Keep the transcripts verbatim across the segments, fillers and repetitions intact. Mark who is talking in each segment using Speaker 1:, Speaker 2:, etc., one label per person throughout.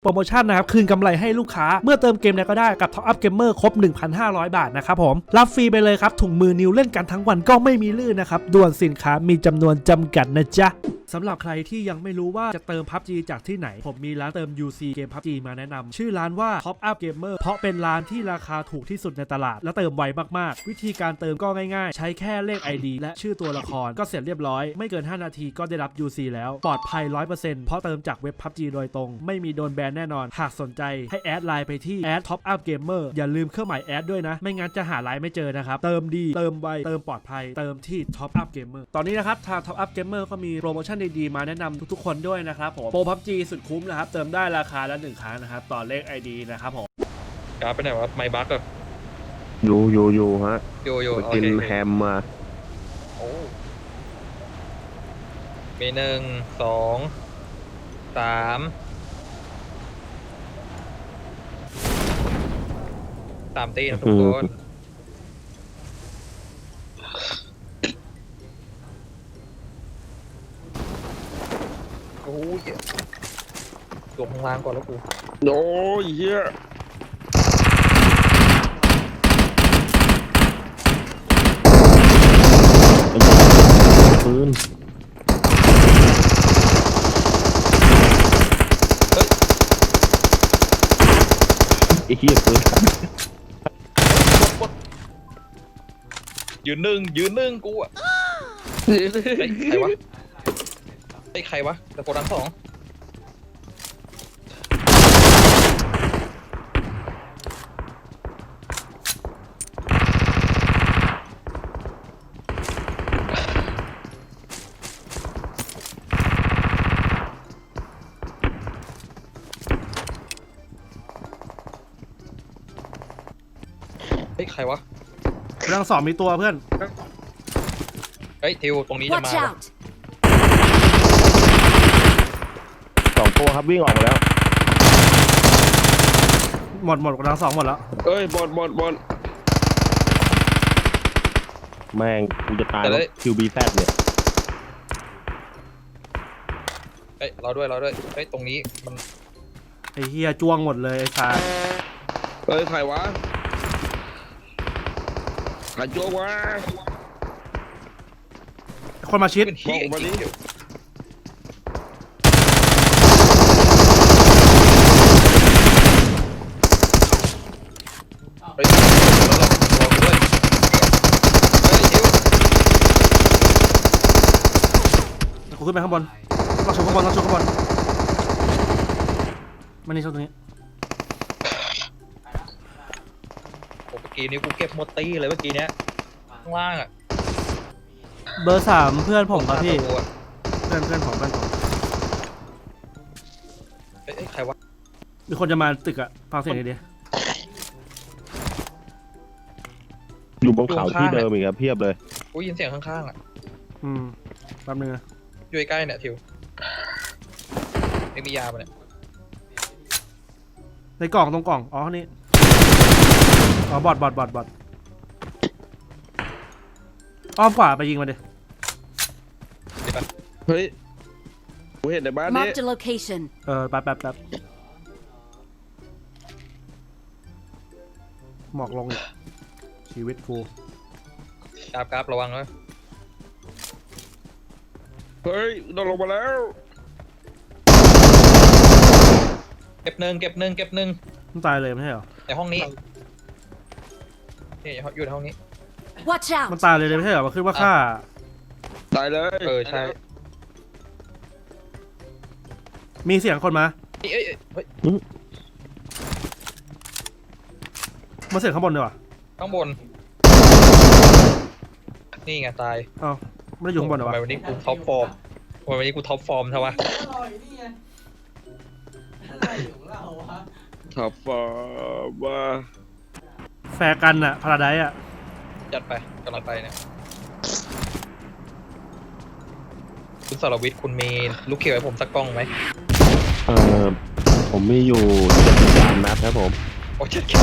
Speaker 1: โปรโมชั่นนะครับคืนกำไรให้ลูกค้าเมื่อเติมเกมใดก็ได้กับ Top Up Gamer ครบ หนึ่งพันห้าร้อย บาทนะครับผมรับฟรีไปเลยครับถุงมือนิวเล่นกันทั้งวันก็ไม่มีลื่นนะครับด่วนสินค้ามีจำนวนจำกัดนะจ๊ะสำหรับใครที่ยังไม่รู้ว่าจะเติม พับจี จากที่ไหนผมมีร้านเติม ยู ซี เกม พับจี มาแนะนำชื่อร้านว่า Top Up Gamer เพราะเป็นร้านที่ราคาถูกที่สุดในตลาดและเติมไวมากๆวิธีการเติมก็ง่ายๆใช้แค่เลข ไอ ดี และชื่อตัวละครก็เสร็จเรียบร้อยไม่เกินห้านาทีก็ได้รับ ยู ซี แล้วปลอดภัย ร้อยเปอร์เซ็นต์ เพราะเติมจากเว็บ พับจี โดยตรงไม่มีโดนแบนแน่นอนหากสนใจให้แอดไลน์ไปที่ แอด Top Up Gamer อย่าลืมเครื่องหมายแอดด้วยนะไม่งั้นจะหาไลน์ไม่เจอนะครับเติมดีเติมไวเติมปลอดภัยเติมที่ Top Up Gamer ตอนนี้นะครับทาง Top Up Gamer ก็มีโปรโมชั่นดีๆมาแนะนำทุกๆคนด้วยนะครับผมโปร พับจี สุดคุ้มนะครับเติมได้ราคาละหนึ่งครั้งนะครับต่อเลข ไอ ดี นะครับผม
Speaker 2: กราฟไปไหนวะไมบักอะ
Speaker 3: อยู่อยู่อยู่ฮะ
Speaker 2: อยู่อยู่
Speaker 3: ไปกินแฮมมา
Speaker 2: โอ้มีหนึ่งสองสามสามตีนะทุกคนโอ้ยลงข้างล่างก่อนแล้วกู
Speaker 3: โอ้ยเฮียปืนไอ้เฮียปืน
Speaker 2: ยืนหนึ่งยืนหนึ่งกูอะใครวะไอ้ใครวะแต่โกดังสองเฮ้ยใครวะ
Speaker 1: เรื่องสองมีตัวเพื่อน
Speaker 2: เฮ้ยทิวตรงนี้จะมา
Speaker 3: สองตัวครับวิ่งออกมาแล้ว
Speaker 1: หมดหมดกำลังสองหมดแล้ว
Speaker 3: เอ้ยบอลบอลบอลแม่งกูจะตายแล้วคิวบีแซดเนี่ย
Speaker 2: เฮ้ยเราด้วยเราด้วยเฮ้ยตรงนี้มัน
Speaker 1: ไอ้เฮียจ้วงหมดเลยไอ้ชาย
Speaker 3: เฮ้ยใครวะใครจ้วงวะ
Speaker 1: คนมาชิด
Speaker 2: เป็นฮีมาดิเฮ้ย
Speaker 1: กูขึ้นไปข้างบนต้องชนข้างบนต้องชนข้างบนมันนี่ชนตรงนี้
Speaker 2: โอ้เมื่อกี้นี้กูเก็บหมดตีเลยเมื่อกี้เนี้ยข้างล่างอ่ะ
Speaker 1: เบอร์สามเพื่อนผมครับพี่เพื่อนเพื่อนผมเพื่อนผม
Speaker 2: เอ้ยใครวะ
Speaker 1: มีคนจะมาตึกอะฟังเสียงดี
Speaker 3: อยู่บนเขาที่เดิมอีกครับเพียบเลย
Speaker 2: กูยินเสียงข้างๆอ่ะ
Speaker 1: อืมแป๊บนึงนะ
Speaker 2: อยู่ใกล้เนี่ยทิวไม่มียาปะเนี่ย
Speaker 1: ในกล่องตรงกล่องอ๋อนี่อ๋อบอดบอดบอดบอดอ้อมขวาไปยิงมาดิ
Speaker 3: เฮ้ยกูเห็นในบ้านนี้
Speaker 1: เออแป๊บแป๊บแป๊บหมอกลงอีกชีวิตฟู
Speaker 2: กราบกราบระวังเลย
Speaker 3: เฮ้ยโดนลงมาแล้ว
Speaker 2: เก็บหนึ่งเก็บหนึ่งเก็บหนึ่ง
Speaker 1: มันตายเลยไม่ใช่เหรอ
Speaker 2: ในห้องนี้นี่อยู่ในห้องนี้
Speaker 1: มันตายเลยไม่ใช่เหรอมันขึ้นว่าฆ่า
Speaker 3: ตายเลย
Speaker 2: เออใช่
Speaker 1: มีเสียงคนมา
Speaker 2: เอ้ยเฮ้ย
Speaker 1: มาเสียงข้างบนดีกว่า
Speaker 2: ข้างบนนี่ไงตาย
Speaker 1: อ้าวไม่ได้อยู่ข้างบนเหรอวะ
Speaker 2: วันนี้กูท็อปฟอร์มวันนี้กูท็อปฟอร์มใช่ปะ
Speaker 3: ท็อปฟอร์มว่า
Speaker 1: แฟร์กันอะพาราไดซ์อะ
Speaker 2: จัดไปกำลังไปเนี่ยคุณสรวิทย์คุณมีลูกเขียวให้ผมสักกล้องไหม
Speaker 3: เออผมมีอยู่เจ็ดสิบสามนัดครับผม
Speaker 2: โอ้เจ็ดเขียว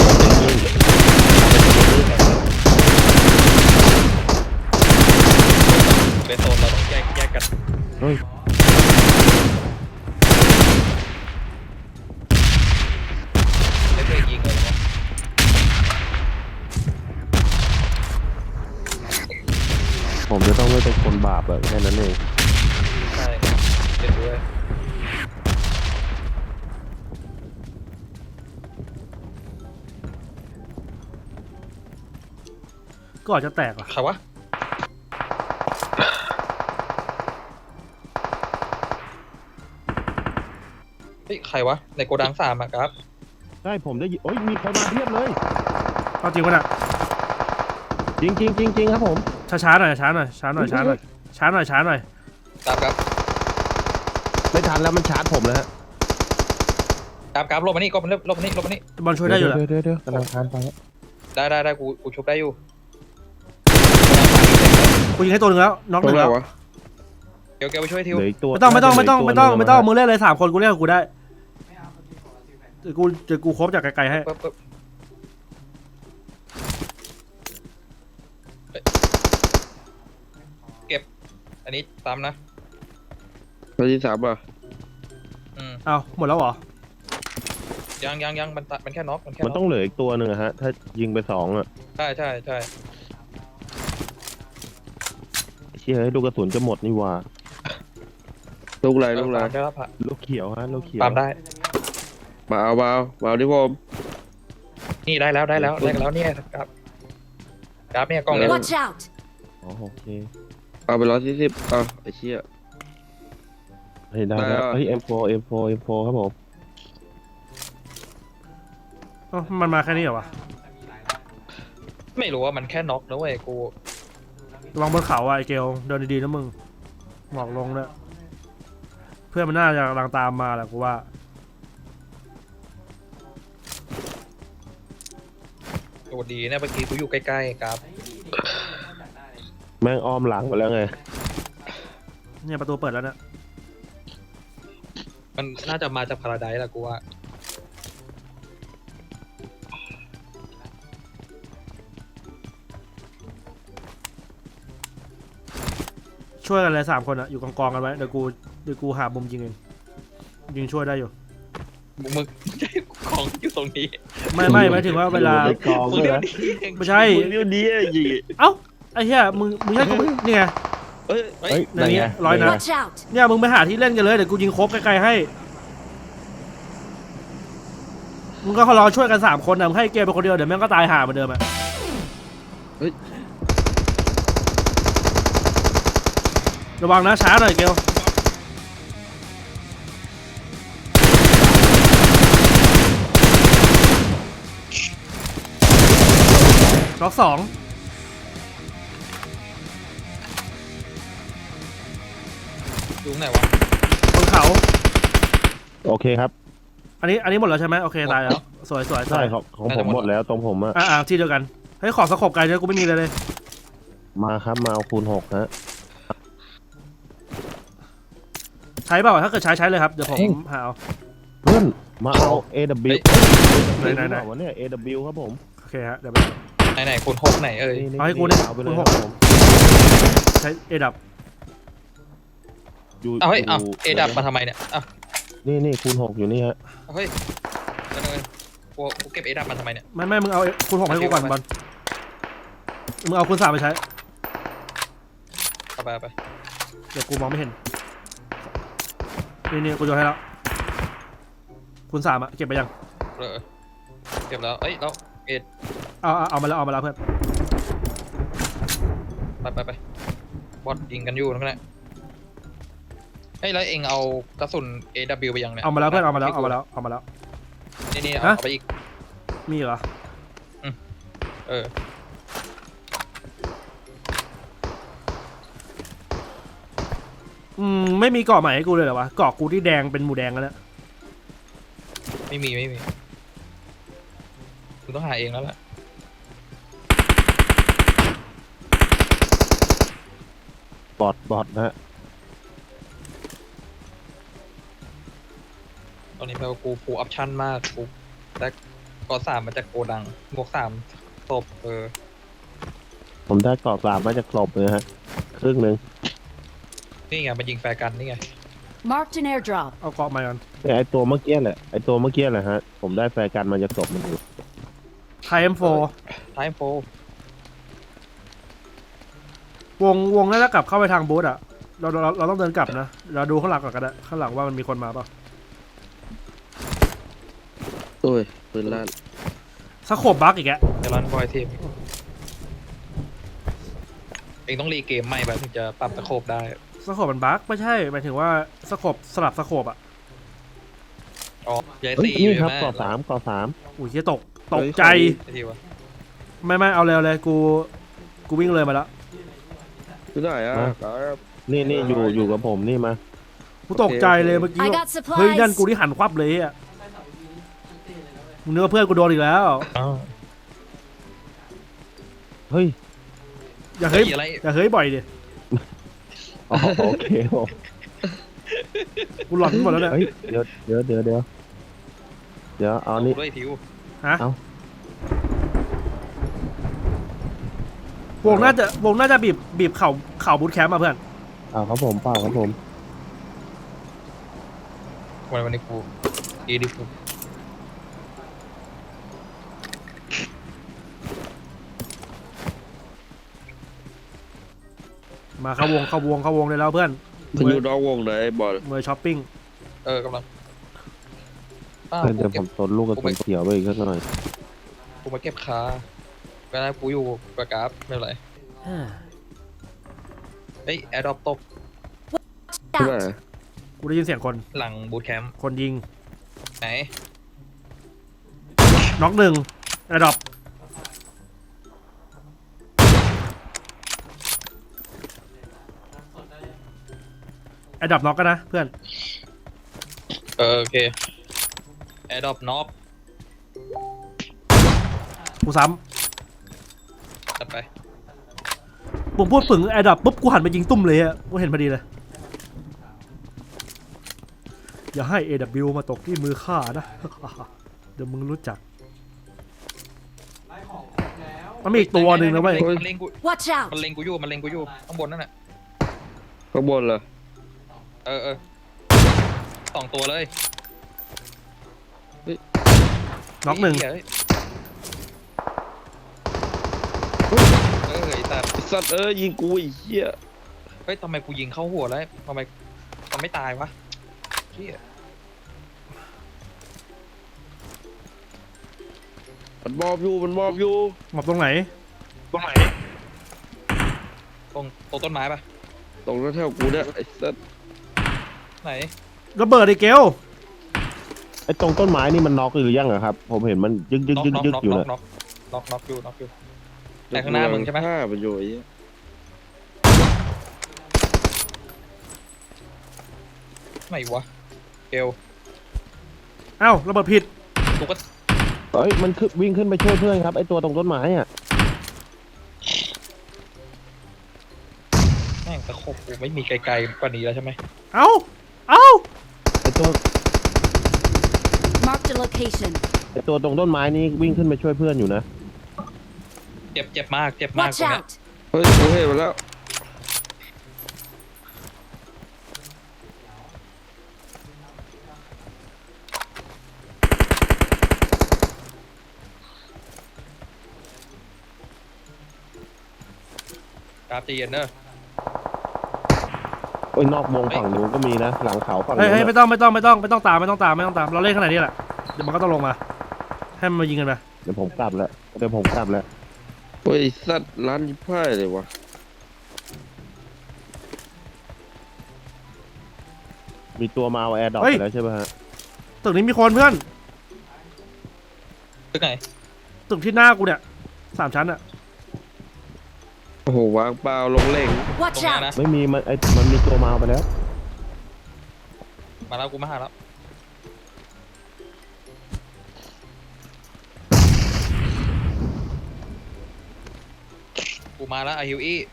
Speaker 2: เป็นโซนเราต้องแยกแยกกัน
Speaker 3: เฮ้ยผมจะต้องไม่เป็นคนบาปแบบแค่นั้นเอง
Speaker 2: ใช่เห็นด้วย
Speaker 1: ก็อาจจะแตกเหรอ
Speaker 2: ใครวะเฮ้ยใครวะในโกดังสามอะครับ
Speaker 3: ใช่ผมได้ยินโอ้ยมีใครมาเพียบเลย
Speaker 1: เอาจริงป่ะน่ะ
Speaker 3: จริงจริงจริงจริงครับผม
Speaker 1: ช้าๆหน่อยช้าหน่อยช้าหน่อยช้าหน่อยช้าหน่อยช้าหน่อย
Speaker 2: ครับครับ
Speaker 3: ไม่ทันแล้วมันชาร์จผมแล้วฮะ
Speaker 2: ครับครับลบมานี่ก็มันลบมานี่ลบมานี่
Speaker 1: บอลช่วยได้อยู่แหละ
Speaker 3: เดี๋ยวเดี๋ยวเดี๋ยวกำลังทานไปฮะ
Speaker 2: ได้ได้ได้กูกูชุบได้อยู่
Speaker 1: กูยิงให้ตัวหนึ่งแล้วน็อกหนึ่งแล้ว
Speaker 2: เดี๋ยวเกลไปช่วยทิว
Speaker 3: เหลืออีกตัว
Speaker 1: ไม่ต้องไม่ต้องไม่ต้องไม่ต้องไม่ต้อง
Speaker 3: เหลื
Speaker 1: มึงเล่นเลยสามคนกูเล่นกับกูได้เดี๋ยวกูเดี๋ยวกูครบจากไกลๆให้
Speaker 2: ปึ๊บปึ๊บเก็บอันนี้ตามนะ
Speaker 4: ตัวที่สามอ่ะ
Speaker 2: อืม
Speaker 1: เอาหมดแล้วเหรอ
Speaker 2: ยังยังยังมันตัดมันแค่น็อกมันแค่
Speaker 3: มัน
Speaker 2: น็
Speaker 3: ต้
Speaker 2: อ
Speaker 3: อก งเหลืออีกตัวหนึ่งอะฮะ ถ้ายิงไปสองอะ
Speaker 2: ใช่ใช่ใช่
Speaker 3: เชี่ยให้ลูกกระสุนจะหมดนี่หว่า
Speaker 4: ลูกไรลูกไร
Speaker 2: ปาล์มได้แล้วผ่ะ
Speaker 3: ลูกเขียวฮะลูกเขียว
Speaker 2: ปาล์มได้
Speaker 4: มาเอามาเอามาเอาที่ผม
Speaker 2: นี่ได้แล้วได้แล้วได้แล้วเนี่ยครับครับเนี่ยกล้องเนี่ย
Speaker 5: Watch out!
Speaker 3: อ๋อโอเค
Speaker 4: เอาไปร้อยสี่สิบเอาไอ้เชี่ย
Speaker 3: เฮ้ยได้แล้ว
Speaker 4: ได้แล้ว
Speaker 3: เฮ้ย เอ็ม โฟร์ เอ็ม โฟร์ เอ็ม โฟร์ ครับผม
Speaker 1: เอ้ามันมาแค่นี้เหรอวะ
Speaker 2: ไม่รู้ว่ามันแค่น็อกนะเว้ยกู
Speaker 1: ระวังบนเขาอ่ะไอเกลเดินดีๆนะมึงหมอกลงด้วยเพื่อนมันน่าจะกำลังตามมาแหละกูว่า
Speaker 2: ตัวดีเนี่ยเมื่อกี้กูอยู่ใกล้ๆครับ
Speaker 3: แม่งอ้อมหลังไปแล้วไง
Speaker 1: เนี่ยประตูเปิดแล้วเนี่ย
Speaker 2: มันน่าจะมาจากพาราไดซ์แหละกูว่า
Speaker 1: ช่วยกันเลยสามคนอะอยู่กองๆกันไว้เดี๋ยวกูเดี๋ยวกูหามุมยิงเองยิงช่วยได้อยู่
Speaker 2: มึงมึงใช่ของอยู่ตรงนี้
Speaker 1: ไม่ไม่หมายถึงว่าเวลา
Speaker 3: ไปกอง
Speaker 2: มึง
Speaker 3: เลย
Speaker 2: เดี๋ยว
Speaker 3: นะ
Speaker 2: นี้เอง
Speaker 1: ไม่ใช่
Speaker 3: มึงเดี๋ยวนี้อะยิง
Speaker 1: เอ้าไอ้เหี้ยมึงมึงให้กูนี่ไง
Speaker 2: เฮ้ย
Speaker 3: เฮ้ย
Speaker 1: ในนี้
Speaker 3: ไง
Speaker 1: ร้อยนัด
Speaker 5: Watch out!
Speaker 1: เนี่ยมึงไปหาที่เล่นกันเลยเดี๋ยวกูยิงครบไกลๆให้มึงก็รอช่วยกันสามคนนะมึงให้เกมเป็นคนเดียวเดี๋ยวแม่งก็ตายห่าเหมือนเดิมอะระวังนะช้าหน่อยเกลล็อกสอง
Speaker 2: อยู่ไหนวะ
Speaker 1: บนเขา
Speaker 3: โอเคครับ
Speaker 1: อันนี้อันนี้หมดแล้วใช่ไหมโอเคตายแล้วสวยสวยส
Speaker 3: ใช่
Speaker 1: วย
Speaker 3: ของของผมหมดแล้วตรงผมอะ
Speaker 1: อ่าอ่าที่เดียวกันเฮ้ยขอสกบไกลเลยกูไม่มีเลยเลย
Speaker 3: มาครับมาเอาคูณหกฮะ
Speaker 1: ใช้เปล่าถ้าเกิดใช้ใช้เลยครับเดี๋ยวผมหาเอา
Speaker 3: เพื่อนมาเอา เอ ดับเบิลยู
Speaker 1: ไหนไหนไหน
Speaker 3: วะเนี่ย เอ ดับเบิลยู ครับผม
Speaker 1: โอเคฮะเดี๋ยวไป
Speaker 2: ไหนไหนคูณหกไหนเอ้ย
Speaker 1: เอาให้กูเนี่ย
Speaker 3: เอาไปเลย
Speaker 1: คูณ
Speaker 3: ค
Speaker 1: ห
Speaker 3: รั
Speaker 1: ก
Speaker 3: บผม
Speaker 1: ใช้เอดับ
Speaker 3: อยู่
Speaker 2: เอาเฮ้ยเอา
Speaker 3: ยู่
Speaker 2: เอดับมาทำไมเนี่ยอ่ะ
Speaker 3: นี่นี่คูณหกอยู่นี่ฮะ
Speaker 2: เอาเฮ้ยเดี๋ยวๆกูกูเก็บเอดับมาทำไมเนี่ย
Speaker 1: ไม่ไม่มึงเอาคูณหกให้กูก่อนบอลมึงเอาคูณสามไปใช้
Speaker 2: เอาไปเอาไป
Speaker 1: เดี๋ยวกูมองไม่เห็นนี่นี่กูโยนให้แล้วคูณสามอะเก็บไปยัง
Speaker 2: เออเก็บแล้วเอ้ยแล้วเอ็ด
Speaker 1: เอาเอาเอามาแล้วเอามาแล้วเพื่อน
Speaker 2: ไปไปไปบอสยิงกันอยู่นั่นแหละเฮ้ยแล้วเองเอากระสุน เอ ดับเบิลยู ไปยังเนี่ย
Speaker 1: เอามาแล้วเพื่อนเอามาแล้วเอามาแล้วเอามาแล้ว
Speaker 2: นี่นี่เอา
Speaker 1: ฮะ
Speaker 2: เอาไปอีก
Speaker 1: มีเหรอ
Speaker 2: เออ
Speaker 1: อืมไม่มีเกาะใหม่ให้กูเลยเหรอวะเกาะกูที่แดงเป็นหมูแดงแล้วเนี่ย
Speaker 2: ไม่มีไม่มีคุณต้องหาเองแล้วแหละ
Speaker 3: บอทบอทนะฮะ
Speaker 2: ตอนนี้แปลว่ากูฟูลออปชั่นมากกูแต่กอสามมาจากโกดังบวกสามศพเออ
Speaker 3: ผมได้กรอบสามมาจากกลบเลยฮะ ครึ่งหนึ่ง
Speaker 2: นี่ไงมันยิงแฟร์กันนี่ไง
Speaker 5: Marked an airdrop.
Speaker 1: เอาเกาะใหม่ก่อน
Speaker 3: เนี่ยไอตัวเมื่อกี้แหละ ไอตัวเมื่อกี้แหละฮะ ผมได้แฟร์กันมาจากกลบมันอยู่
Speaker 1: ไทเอ็มโฟ
Speaker 2: ไทม์โฟ
Speaker 1: วงวงน่าจะกลับเข้าไปทางบูธอะเราเราเราต้องเดินกลับนะเราดูข้างหลังก่อนก็ได้ข้างหลังว่ามันมีคนมาเปล่า
Speaker 4: โอ้ยปืนลั่น
Speaker 1: สโคบบักอีกแก
Speaker 2: เดี๋ยวรันบอยทีมเองต้องรีเกมใหม่แบบถึงจะปรับตะโขบได้
Speaker 1: สโคบมันบักไม่ใช่หมายถึงว่าสโคบสลับสโคบอะ
Speaker 2: อ๋อใหญ่
Speaker 3: เฮ้ย
Speaker 2: สี่
Speaker 3: นี่ครับ
Speaker 2: ใช่ไหม
Speaker 3: ก่อสามก่อสาม
Speaker 1: อุ้ยเหี้ยตกตกใจ
Speaker 2: ไอ้ทีวะ
Speaker 1: ไม่ไม่เอาเร็วเลยกูกูวิ่งเลยมาแล้ว
Speaker 4: ที่ไหนอ่ะครับ
Speaker 3: นี่นี่อยู่อยู่กับผมนี่มา
Speaker 1: กูตกใจเลยเมื่อกี้
Speaker 5: I
Speaker 1: แบบ
Speaker 5: got
Speaker 1: เฮ้ยนั่น
Speaker 5: supplies.
Speaker 1: กูที่หันควับเลยอะมึงนึกว่าเพื่อนกูโดนอีกแล้ว
Speaker 2: อ้าว
Speaker 3: เฮ้ย
Speaker 1: อย่าเฮ้ย
Speaker 2: อะไร
Speaker 1: อย่าเฮ้ยบ่อยดิ
Speaker 3: อ๋อโอเคผม
Speaker 1: กูหลอนหมดแล้วเนี่ย
Speaker 3: เฮ้ยเดี๋ยวเดี๋ยวเดี๋ยวเดี๋ยวเดี๋ยวเอานี่
Speaker 2: ด้วยทิว
Speaker 1: ฮะ
Speaker 3: เอา
Speaker 1: วงน่าจะวงน่าจะบีบบีบเข่าเข่าบูทแคมป์มาเพื่อน
Speaker 3: เอาครับผมเปล่าครับผม
Speaker 2: วันวันนี้กูอีดิกู
Speaker 1: มาเข้าวงเข้าวงเข้าวงเลยแล้วเพื่อน
Speaker 4: มันอยู่นอกวงไหนไอ้บอล
Speaker 1: เมื่อช้อปปิ้ง
Speaker 2: เออกำลังอ้าว
Speaker 3: เดี๋ยว
Speaker 2: กู
Speaker 3: ผ
Speaker 2: เก็บ
Speaker 3: มตนลูกกระสุนเขียวไปอีกสักหน่อย
Speaker 2: กูมาเก็บคาก็ได้กูอยู่กับกราฟไม่เป็นไรเฮ้ยแอร์ดรอปตก
Speaker 4: ที่ไหน
Speaker 5: Out.
Speaker 1: กูได้ยินเสียงคน
Speaker 2: หลังบูทแคมป์
Speaker 1: คนยิง
Speaker 2: ไหน
Speaker 1: น็อกหนึ่งแอร์ดรอปแอร์ดรอปน็อกกันนะเพื่อน
Speaker 2: เออโอเคแอร์ดรอปน็อก
Speaker 1: กูซ้
Speaker 2: จัดไป
Speaker 1: ำผมพูดถึงแอร์ดรอปปุ๊บกูหันไปยิงตุ้มเลยอะกูเห็นพอดีเลยอย่าให้ เอ ดับเบิลยู มาตกที่มือข้านะ เดี๋ยวมึงรู้จักมันมีอีกตัวหนึ่งนะเว้ย
Speaker 2: มันเล็งกู
Speaker 5: Watch
Speaker 2: มัน
Speaker 5: out.
Speaker 2: เล็งกูอยู่มันเล็งกูอยู่ข้างบนนั่นแหละ
Speaker 4: ข้างบนเหรอ
Speaker 2: เออเออสองตัวเลย
Speaker 1: น็อกหนึ่ง
Speaker 2: เฮ้ยเออไอ้สัตว์
Speaker 4: ไอ้สัตว์เอ้ยยิงกูไอ้เหี้ย
Speaker 2: เฮ้ยทำไมกูยิงเข้าหัวแล้วทำไมมันไม่ตายวะเหี้ย
Speaker 4: มันมอบอยู่มันมอบอยู่
Speaker 1: หมอบตรงไหน
Speaker 2: ตรงไหนตรงตรงต้นไม้ปะ
Speaker 4: ตรงนั้นแถวกูเนี่ยไอ้สัตว์
Speaker 2: ไหน
Speaker 1: ระเบิดไอ้เกล
Speaker 3: ไอ้ตรงต้นไม้นี่มันน็อกหรือยังอะครับ ผมเห็นมันยึกยึก
Speaker 2: น็อก
Speaker 3: ยึก
Speaker 2: น็อก
Speaker 3: ยึก
Speaker 2: น็อก
Speaker 3: อยู่
Speaker 2: น็อ
Speaker 3: นะ
Speaker 2: กน็อกน็อกน็อกอยู่น็อกอยู่ แต่ข้างหน้ามึงใช่ไหม
Speaker 4: ฆ่ามันอยู่ไอ้เหี้ย
Speaker 2: ไหนวะเกล
Speaker 1: เอ้าระเบิดผิด
Speaker 2: กูก็
Speaker 3: เฮ้ยมันขึ้นวิ่งขึ้นไปช่วยเพื่อนครับไอ้ตัวตรงต้นไม้อะ
Speaker 2: แม่งตะขบกูไม่มีไกลๆกว่านี้แล้วใช่ไหม
Speaker 1: เอ้าเอ้า
Speaker 3: ไอ้ตัว
Speaker 5: Marked a location.
Speaker 3: ไอ้ตัวตรงต้นไม้นี่วิ่งขึ้นไปช่วยเพื่อนอยู่นะ
Speaker 2: เจ็บเจ็บมากเจ็บมาก
Speaker 5: Watch
Speaker 2: ตรงเนี้ย
Speaker 5: out.
Speaker 4: เฮ้ยกูเห็นมันแล้ว
Speaker 2: กราฟใจเย็นเนอะ
Speaker 3: โอ้ยนอกวงฝั่งนู้นก็มีนะ หลังเขาฝั่ง
Speaker 1: เฮ้ย
Speaker 3: นู้น
Speaker 1: เฮ้ย
Speaker 3: อะ
Speaker 1: ไม่ต้องไม่ต้องไม่ต้องไม่ต้องตามไม่ต้องตามไม่ต้องตามเราเล่นขนาดนี้แหละเดี๋ยวมันก็ต้องลงมาให้มันมายิงกันไป
Speaker 3: เดี๋ยวผมกลับแล้วเดี๋ยวผมกลับแล้ว
Speaker 4: เฮ้ยไอ้สัตว์ร้านยิบพ่ายเลยวะ
Speaker 3: มีตัวมาเอาแอร์ดรอปไปแล้วใช่ไหมฮะ
Speaker 1: ตึกนี้มีคนเพื่อน
Speaker 2: ตึกไหน
Speaker 1: ตึกที่หน้ากูเนี่ยสามชั้นอะ
Speaker 4: โอ้โหวางเปล่าลงเล่ง
Speaker 2: ตรง
Speaker 5: Watch
Speaker 2: เนี้ย
Speaker 5: out.
Speaker 2: นะ
Speaker 3: ไม่มีมันไอ้มันมีตัวมาเอาไปแล้ว
Speaker 2: มาแล้วกูมาหาแล้วกูมาแล้วไอฮิวอี้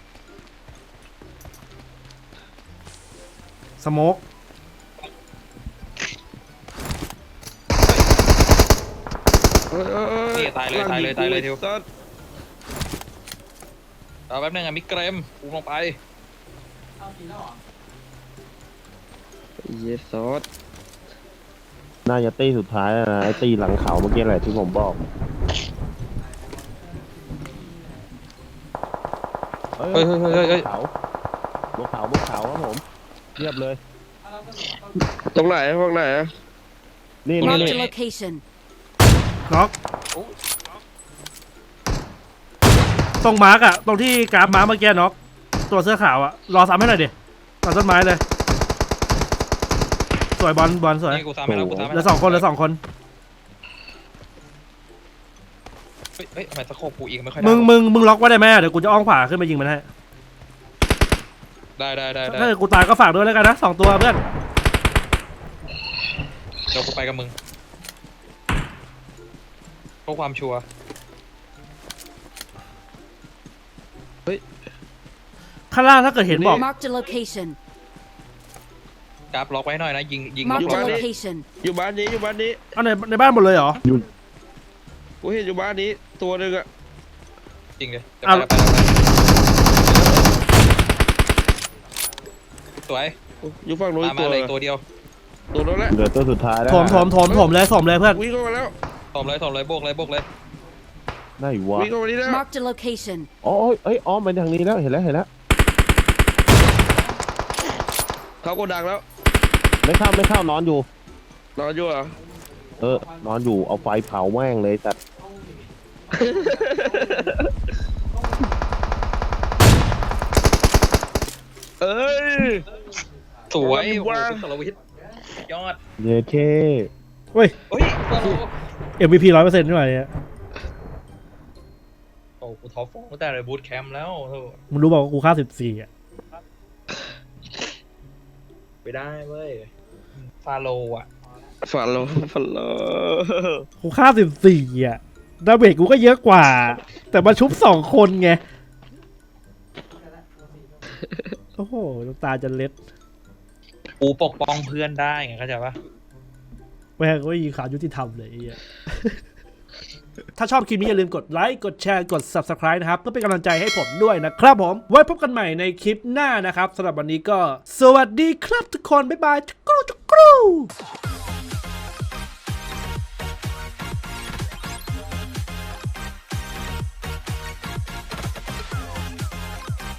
Speaker 1: สโมก
Speaker 4: เฮ้ยเฮ้ยเฮ้
Speaker 2: นี่ตายเลยตายเลยตายเลยทิว
Speaker 4: สัตว์
Speaker 2: เอาแป๊บนึงอะมิกเกรมกูลงไป
Speaker 4: ไอ้เหี้ยซอส
Speaker 3: น่าจะตีสุดท้ายแล้วนะไอ้ตีหลังเขาเมื่อกี้แหละที่ผมบอก เเอ้ย
Speaker 2: เฮ้ยเฮ้ยเฮ้ยเฮ้ย
Speaker 3: เขาบนเขาบนเขาครับผมเรียบเลย
Speaker 4: ตรงไหนห้องไหนอะ
Speaker 3: นี่นี่
Speaker 5: Marked
Speaker 3: นี่
Speaker 5: a location.
Speaker 1: น็อกตรงมาร์กอะตรงที่กราฟมาร์กเมื่อกี้น็อกตัวเสื้อขาวอะรอซ้ำให้หน่อยดิตัดต้นไม้เลยสวยบอลบอลสวย
Speaker 2: นี่กูซ้ำไม่แล้วกูซ้ำไม่
Speaker 1: เหลื
Speaker 2: แล้
Speaker 1: อ
Speaker 2: ว
Speaker 1: สองคนเหลือสองคน
Speaker 2: เฮ้ยเฮ้ยทำไมสะโคบกูอีกไม่ค่อยได้
Speaker 1: มึงมึงมึงล็อกไว้ได้ไหมเดี๋ยวกูจะอ้อมขวาขึ้นไปยิงมันให้
Speaker 2: ได้ได้ได้ได้
Speaker 1: ถ้าเกิดกูตายก็ฝากด้วยแล้วกันนะสองตัวเพื่อน
Speaker 2: เดี๋ยวกูไปกับมึงเพื่อความชัวร์
Speaker 1: ข้างล่างถ้าเกิดเห็นบอก
Speaker 5: Marked a location.
Speaker 2: กราฟล็อกไว้หน่อยนะยิงยิง
Speaker 5: Marked
Speaker 2: ล็อก
Speaker 5: a
Speaker 2: ไว้
Speaker 5: location.
Speaker 4: อยู่บ้านนี้อยู่บ้านนี้
Speaker 1: เอาในในบ้านหมดเลยเหรอ
Speaker 4: กูเห็นอยู่บ้านนี้ตัวหนึ่งอะ
Speaker 2: จริงเลยจะ
Speaker 1: เอา
Speaker 2: ไปแล้วไปแล้วสวย
Speaker 4: อยู่ฝั่งนู้น
Speaker 2: มา
Speaker 4: อีก
Speaker 2: มา
Speaker 4: ตัว
Speaker 2: เลยตัวเดียว
Speaker 4: ตัวนั้นแหละ
Speaker 3: เหลือตัวสุดท้ายแล้ว
Speaker 1: ถมถมถมถมเลยถมเลยเพื่อน
Speaker 4: วิ่งเข้ามาแล้ว
Speaker 2: ตอมเลยตอมเลยโบกเลยโบกเลย
Speaker 3: ได้วะ
Speaker 4: วิ่งเข้ามานี่แล้ว
Speaker 5: Marked a location.
Speaker 3: อ๋อเอ้ยอ้อมไปทางนี้แล้วเห็นแล้วเห็นแล้ว
Speaker 4: เขาโกดังแล้ว
Speaker 3: ไม่เข้าไม่เข้านอนอยู่
Speaker 4: นอนอยู่เหรอ
Speaker 3: เออนอนอยู่เอาไฟเผาแม่งเลยแต่
Speaker 4: เอ้ย
Speaker 2: สวย
Speaker 4: เอา
Speaker 2: โอ้
Speaker 4: ละ
Speaker 2: โห
Speaker 4: มีว่า
Speaker 2: สารวิทย์ยอด
Speaker 3: เย้เค
Speaker 1: เฮ้ย
Speaker 2: เฮ้ยสโล
Speaker 1: เอ็มวีพีร้อยเปอร์เซ็นต์นี่หว่าเนี่ย
Speaker 2: โอ้กูท็อปโฟร์ตั้งแต่เลยบูทแคมป์แล้วโธ่
Speaker 1: มึงรู้บอกว่ากูค่าสิบสี่อะ
Speaker 2: ไปได้เว้ยฟาโลอ่ะ
Speaker 4: ฝันเหรอฝันเหรอ
Speaker 1: กูค่าสิบสี่อะดาเมจกูก็เยอะกว่า แต่มาชุบสองคนไงโอ้โหน้ำตาจะเล็ด
Speaker 2: กูปกป้องเพื่อนได้ไงเข้าใจปะ
Speaker 1: แม่งก็ยิงขายุติธรรมเลยไอ้เหี้ย ถ้าชอบคลิปนี้อย่าลืมกดไลค์ กดแชร์ กด ซับสไครบ์ นะครับ เพื่อเป็นกำลังใจให้ผมด้วยนะครับผม ไว้พบกันใหม่ในคลิปหน้านะครับสำหรับวันนี้ก็ สวัสดีครับทุกคน บ๊ายบายจุกรูจุกรู